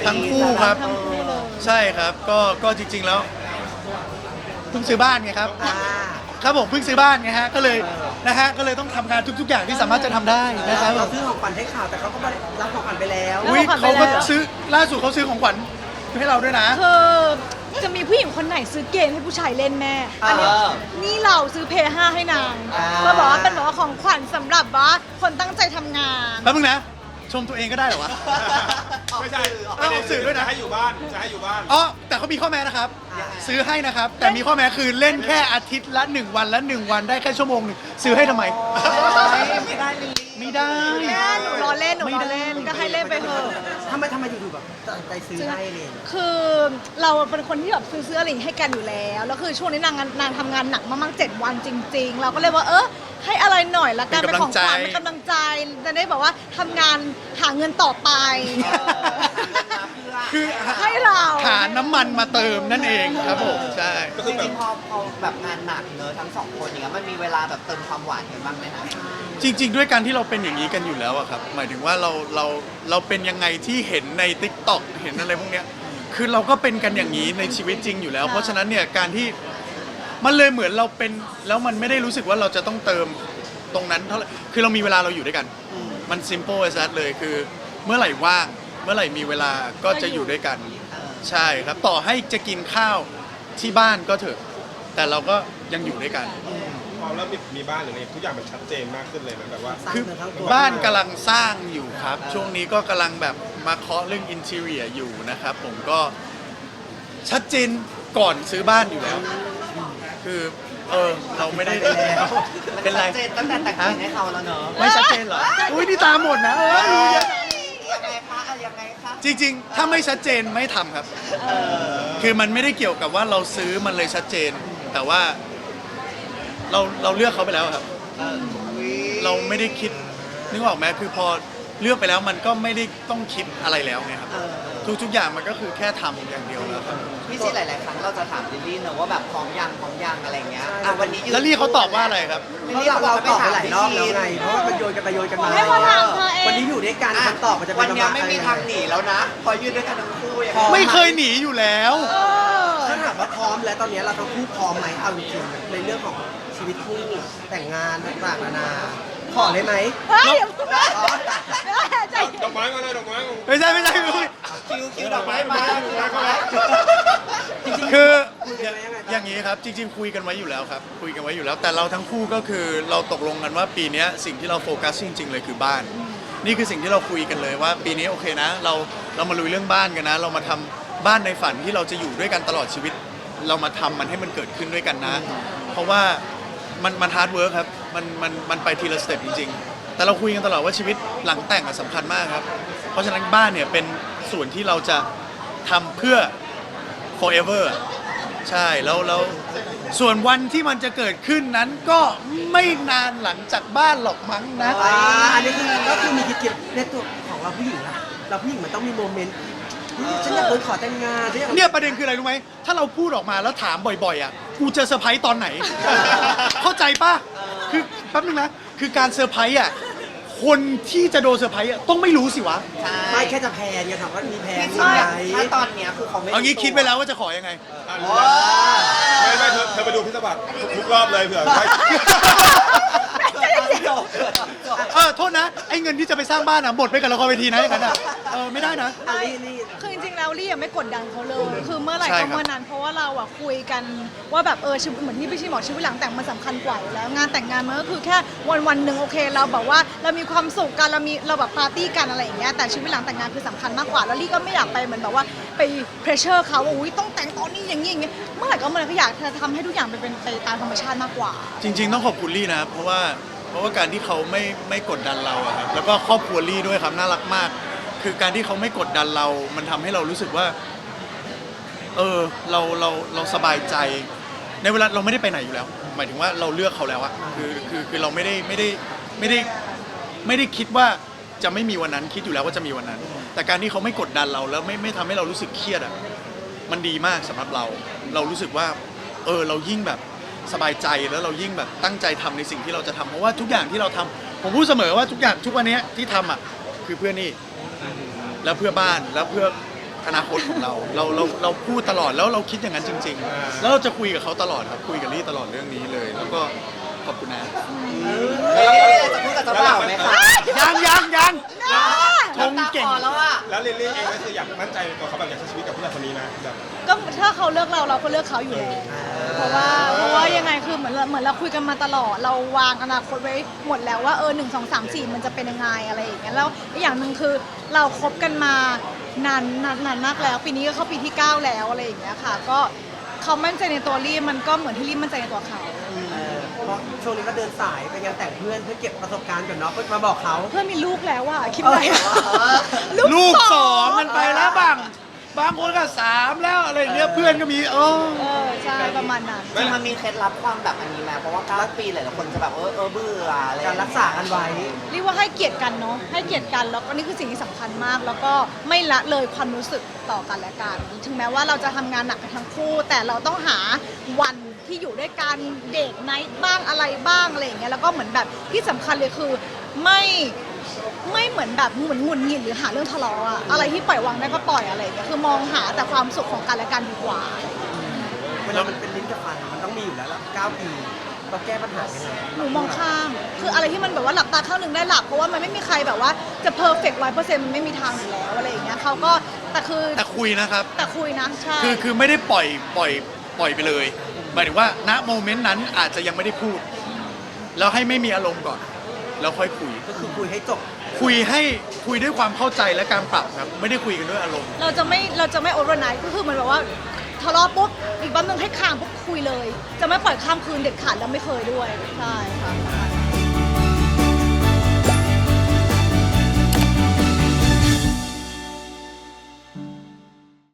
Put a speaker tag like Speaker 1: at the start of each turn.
Speaker 1: ทั้งคู่ครับ
Speaker 2: ทั้งคู่เลย
Speaker 1: ใช่ครับก็จริงๆแล้วเพิ่งซื้อบ้านไงครับ ครับผมเพิ่งซื้อบ้านไงฮะก็เลยนะฮะก็เลยต้องทำงานทุกๆอย่างที่สามารถจะทำได้นะครับ
Speaker 3: เราซื้อของขวัญให้ข่าวแต่เขาก็รับของขวัญไปแล้ว
Speaker 1: อุ้ยเขาก็ซื้อล่าสุดเขาซื้อของขวัญให้เราด้วยนะ
Speaker 2: คือจะมีผู้หญิงคนไหนซื้อเกมให้ผู้ชายเล่นแม่อันนี้นี่เราซื้อเพย์5ให้นางก็บอกว่าเป็นแบบว่าของขวัญสำหรับว่าคนตั้งใจทำงาน
Speaker 1: แป๊บนึงนะ ชมตัวเองก็ได้เหรอวะ
Speaker 4: ไม่ใช่
Speaker 1: เอาออกสื่อด้วยนะ
Speaker 4: จะให้อยู่บ้านจะให้อยู่บ้าน
Speaker 1: อ๋อแต่เขามีข้อแม้นะครับ ซื้อให้นะครับ แต่มีข้อแม้คือเล่นแค่อาทิตย์ละ1 วันและ1 วันได้แค่ชั่วโมงหนึ่งซื้อให้ทำไม
Speaker 3: ไม่ได้เลย
Speaker 1: ไม่ได้
Speaker 2: แม่หนูรอเล่นก็ให้เล่นไปเถอะ
Speaker 3: ทำไมอยู่ๆแบบตัดสินใจซื้อให้เลย
Speaker 2: คือเราเป็นคนที่แบบซื้ออะไรอย่างงี้ให้กันอยู่แล้วแล้วคือช่วงนี้นางทำงานหนักมากๆ7 วันจริง ๆ เราก็เลยว่าให้อะไรหน่อยละกัน
Speaker 1: เป็
Speaker 2: เป็น
Speaker 1: น
Speaker 2: ของขวัญ
Speaker 1: กำลังใจ
Speaker 2: เป็นกำลังใจจะได้แบบว่าทำงานหาเงินต่อไป
Speaker 1: คือ
Speaker 2: ให้เรา
Speaker 1: หาน้ำมันมาเติมนั่นเองครับผมใช่
Speaker 4: ก็
Speaker 5: จ
Speaker 4: คือแบ
Speaker 5: ริ
Speaker 4: บ
Speaker 5: งๆพอแบบงานหนักเนอะทั้งสองคนอย่างเงี้ยมันมีเวลาแบบเติมความหวานกันบ้างไหมคะ
Speaker 1: จริง ๆ ด้วยการที่เราเป็นอย่างนี้กันอยู่แล้วอะครับหมายถึงว่าเราเป็นยังไงที่เห็นใน TikTok เห็นอะไรพวกเนี้ยคือเราก็เป็นกันอย่างนี้ในชีวิตจริงอยู่แล้ว เพราะฉะนั้นเนี่ยการที่มันเลยเหมือนเราเป็นแล้วมันไม่ได้รู้สึกว่าเราจะต้องเติมตรงนั้นเท่าไหร่คือเรามีเวลาเราอยู่ด้วยกัน มัน simple as that เลยคือเมื่อไหร่ว่างเมื่อไหร่มีเวลาก็จะอยู่ด้วยกัน ใช่ครับต่อให้จะกินข้าวที่บ้านก็เถอะ แต่เราก็ยังอยู่ด้วยกัน
Speaker 4: พอเริ่มมีบ้านหรืออะไรทุกอย่างมันชัดเจนมากขึ้นเลยนะแบบว่า
Speaker 3: สร้าง
Speaker 1: คือ
Speaker 3: เนื้อทั้งตัว
Speaker 1: บ้านกำลังสร้างอยู่ครับ ช่วงนี้ก็กำลังแบบมาเคาะเรื่องอินเทเรียอยู่นะครับ ผมก็ชัดเจนก่อนซื้อบ้านอยู่แล้ว คือเราไม่ได้
Speaker 5: มัน
Speaker 1: เป็นไร
Speaker 5: ชัดเจนตั้งแต่แต่งงานให้เขาแล้วเนอะ
Speaker 1: ไม่ชัดเจนเหรออุ้ยนี่ตาหมดนะรู้เยอะ
Speaker 5: ยังไงคะยังไงคะ
Speaker 1: จริงๆ ถ้าไม่ชัดเจนไม่ทำครับ คือมันไม่ได้เกี่ยวกับว่าเราซื้อมันเลยชัดเจน แต่ว่าเราเลือกเขาไปแล้วครับ เราไม่ได้คิดนึกออกไหมคือพอเลือกไปแล้วมันก็ไม่ได้ต้องคิดอะไรแล้วไงครับทุกอย่างมันก็คือแค่ทำอย่างเดียวแล้วครับ
Speaker 5: พี่ซีหลายๆครั้งเราจะถามลิลลี่เนอะว่าแบบพร้อมยังอะไรเงี้ยวันนี้ยืน
Speaker 1: แล้วลี่เขาตอบว่าอะไรครับ
Speaker 5: ลิล
Speaker 3: เพราะ
Speaker 5: ลี่บอก
Speaker 3: เรา
Speaker 5: ว่า
Speaker 3: ตอบไป
Speaker 5: ถาม
Speaker 3: หลาย
Speaker 5: พี่
Speaker 3: รอบ
Speaker 5: ซี
Speaker 3: แล้วไง เพราะว่ามันโยนกันไปโยนกันมา
Speaker 2: ให้มาถามเธอเอง
Speaker 3: วันนี้อยู่ด้วยกันคำตอบมันจะเป็น
Speaker 5: วันเนี้ย
Speaker 3: ประาณ
Speaker 5: ไม่มีทางหนีแล้วนะพอยืนด้วยกันทั้งคู่ยัง
Speaker 3: พอ
Speaker 5: ไง
Speaker 1: ไม่เคยหนีอยู่แล้ว
Speaker 3: ถ้าถามว่าพร้อมแล้วตอนนี้เราทั้งคู่พร้อมไหมเอาจริงๆในเรื่องของชีวิตคู่แต่งงานต่างๆนานาขอเลยไหม
Speaker 2: เฮ้ยอย่าพูดนะใจ
Speaker 4: ดอกไม้มาเลยดอกไม้มา
Speaker 1: ไม่ใช่ไม่ใช่
Speaker 5: คิวดอกไม้มา
Speaker 1: คืออย่างนี้ครับจริงๆคุยกันไว้อยู่แล้วครับคุยกันไว้อยู่แล้ว แต่เราทั้งคู่ก็คือเราตกลงกันว่าปีนี้สิ่งที่เราโฟกัสจริงๆเลยคือบ้าน นี่คือสิ่งที่เราคุยกันเลยว่าปีนี้โอเคนะเรามาลุยเรื่องบ้านกันนะ เรามาทำบ้านในฝันที่เราจะอยู่ด้วยกันตลอดชีวิต เรามาทำมันให้มันเกิดขึ้นด้วยกันนะ เพราะว่ามันฮาร์ดเวิร์คครับมันไปทีละสเต็ปจริงๆ แต่เราคุยกันตลอดว่าชีวิตหลังแต่งสำคัญมากครับ เพราะฉะนั้นบ้านเนี่ยเป็นส่วนที่เราจะทำเพื่อ forever อะใช่แล้วส่วนวันที่มันจะเกิดขึ้นนั้นก็ไม่นานหลังจากบ้านหรอกมั้งนะ
Speaker 3: อันนี้คือก็คือมีคิดในตัวของเราผู้หญิงอะเราผู้หญิงมันต้องมีโมเมนต์ฉันอยากโดนขอแต่งงานฉันอยาก
Speaker 1: เนี่ยประเด็นคืออะไรรู้ไหมถ้าเราพูดออกมาแล้วถามบ่อยๆอ่ะกูจะเซอร์ไพรส์ตอนไหน เข้าใจป่ะคือแป๊บนึงนะคือการเซอร์ไพรส์อ่ะคนที่จะโดนเซอร์ไพรส์อ่ะต้องไม่รู้สิวะ
Speaker 3: ไม่แค่จะแพนไงถามว่ามีแพน
Speaker 5: พี่
Speaker 3: ไห
Speaker 5: ซี
Speaker 3: ม
Speaker 5: ถ้าตอนเนี้ยคือเขาไม่
Speaker 1: เอางี้คิดไปแล้วว่าจะขอยังไง
Speaker 4: ไม่เธอไปดูพิศบัตทุกรอบเลยเผื่อไว้
Speaker 1: โทษนะไอ้เงินที่จะไปสร้างบ้านอ่ะหมดไปกับละครเวทีนะอย่างนั้นอ่ะไม่ได้นะ
Speaker 3: อันนี้
Speaker 2: คือจริงๆแล้วลี่ยังไม่กดดันเขาเลย คือเมื่อไหร่
Speaker 1: ใช่ครั
Speaker 2: ก็
Speaker 1: บ
Speaker 2: เมื่อนั้น เพราะว่าเราอะคุยกันว่าแบบชีวิตเหมือนที่พี่ชีบอกชีวิตหลังแต่งมันสำคัญกว่าอยู่แล้วงานแต่งงานมันก็คือแค่วันหนึ่งโอเคเราแบบว่าเรามีความสุขกันเราแบบปาร์ตี้กันอะไรอย่างเงี้ยแต่ชีวิตหลังแต่งงานคือสำคัญมากกว่าแล้วลี่ก็ไม่อยากไปเหมือนแบบว่าไปเพรสเชอร์เขาว่าอุ้ยต้องแต่งตอนนี้อย่างนี้อย่างเงี้ยเมื่อไหร่ก็เมื่อไหร่ก็อยากจะทำให้ทุกอย่างเป็นไปตามธรรมชาติมากกว่า
Speaker 1: จริงๆต้องขอบคุณลี่นะเพราะว่าการที่เขาไม่กดดันเราอะครับแล้วก็ครอบครัวลี่ด้วยครับน่ารักมาก คือการที่เขาไม่กดดันเรา มันทำให้เรารู้สึกว่าเราสบายใจ ในเวลาเราไม่ได้ไปไหนอยู่แล้ว หมายถึงว่าเราเลือกเขาแล้วอะคือเราไม่ได้คิดว่าจะไม่มีวันนั้นคิดอยู่แล้วว่าจะมีวันนั้น แต่การที่เขาไม่กดดันเราแล้วไม่ทำให้เรารู้สึกเครียดอะมันดีมากสำหรับเรารู้สึกว่าเรายิ่งแบบสบายใจแล้วเรายิ่งแบบตั้งใจทำในสิ่งที่เราจะทำเพราะว่าทุกอย่างที่เราทำผมพูดเสมอว่าทุกอย่างทุกวันนี้ที่ทำอ่ะคือเพื่อนี่แล้วเพื่อบ้านแล้วเพื่ออนาคตของเราเราพูดตลอดแล้วเราคิดอย่างนั้นจริง ๆ แล้วเราจะคุยกับเขาตลอดครับคุยกับลี่ตลอดเรื่องนี้เลย แล้วก็ขอบคุณนะ
Speaker 5: จะพูดกับเจ้าบ่าวไหมคะ
Speaker 1: ยังชงเก่ง
Speaker 5: ตาคอแล้วอ่ะ
Speaker 4: แล้วลิลลี่เองก็คืออยากมั่นใจในตัวเขาแบบอยากใช้ชีวิตกับผู้ชายคนนี้นะแบบ
Speaker 2: ก็ถ้าเขาเลือกเราก็เลือกเขาอยู่แล้วเพราะว่ายังไงคือเหมือนเราคุยกันมาตลอดเราวางอนาคตไว้หมดแล้วว่า1 2 3 4มันจะเป็นยังไงอะไรอย่างเงี้ยแล้วอีกอย่างหนึ่งคือเราคบกันมานานมากแล้วปีนี้ก็เข้าปีที่ 9 แล้วอะไรอย่างเงี้ยค่ะก็เขามั่นใจในตัวลี่มันก็เหมือนที่ลี่มั่นใจในตัวเขา
Speaker 3: เพราะช่วงนี้ก็เดินสายไปงานแต่งเพื่อนเพื่อเก็บประสบการณ์ก่อนเนาะเพื่อมาบอกเขา
Speaker 2: เพื่อนมีลูกแล้วอะคิดไง
Speaker 1: ลูก2กันไปแล้วบางคนก็3แล้วอะไรอย่างเงี้ยเพื่อนก็มี
Speaker 2: ใช่ประมาณนั้น
Speaker 5: จริงมันมีเคล็ดลับความแบบอันนี้ไหมเพราะว่า9 ปีหลายๆคนจะแบบเบื่ออะไร
Speaker 3: การรักษากันไว้
Speaker 2: เรียกว่าให้เกียรติกันเนาะให้เกียรติกันแล้วก็นี่คือสิ่งที่สำคัญมาก แล้วก็ไม่ละเลยความรู้สึกต่อกันและกันถึงแม้ว่าเราจะทำงานหนักกันทั้งคู่ แต่เราต้องหาวันที่อยู่ด้วยกันเดทไนท์บ้างอะไรบ้างอะไรอย่างเงี้ยแล้วก็เหมือนแบบที่สำคัญเลยคือไม่เหมือนแบบหงุดหงิดหรือหาเรื่องทะเลาะอะอะไรที่ปล่อยวางได้ก็ปล่อยอะไรอย่างเงี้ยคือมองหาแต่ความสุขของกันและกันดีกว่า
Speaker 3: เวลามันเป็นลิ้นกับฟันมันต้องมีอยู่แล้วล่ะ9 ปีเราแก้ปัญหายังไง
Speaker 2: หนูมองข้าม คืออะไรที่มันแบบว่าหลับตาข้างหนึ่งได้หลับ เพราะว่ามันไม่มีใครแบบว่าจะเพอร์เฟกต์100%มันไม่มีทางอยู่แล้วอะไรอย่างเงี้ยเขาก็แต่
Speaker 1: คุยนะครับ
Speaker 2: แต่คุยนะใช่
Speaker 1: คือไม่ได้ปล่อยไปเลยหมายถึงว่าณโมเมนต์นั้นอาจจะยังไม่ได้พูด แล้วให้ไม่มีอารมณ์ก่อนแล้วค่อยคุย
Speaker 3: ก็คือคุยให้จบ
Speaker 1: คุยด้วยความเข้าใจและการปรับครับไม่ได้คุยกันด้วยอารมณ์
Speaker 2: เราจะไม่โอเวอร์ไนท์ก็คือเหมือนแบบว่าทะเลาะปุ๊บอีกวันหนึงให้ข้ามปุ๊บคุยเลย จะไม่ปล่อยข้ามคืนเด็ดขาดแล้วไม่เคยด้วยใช่ค่ะ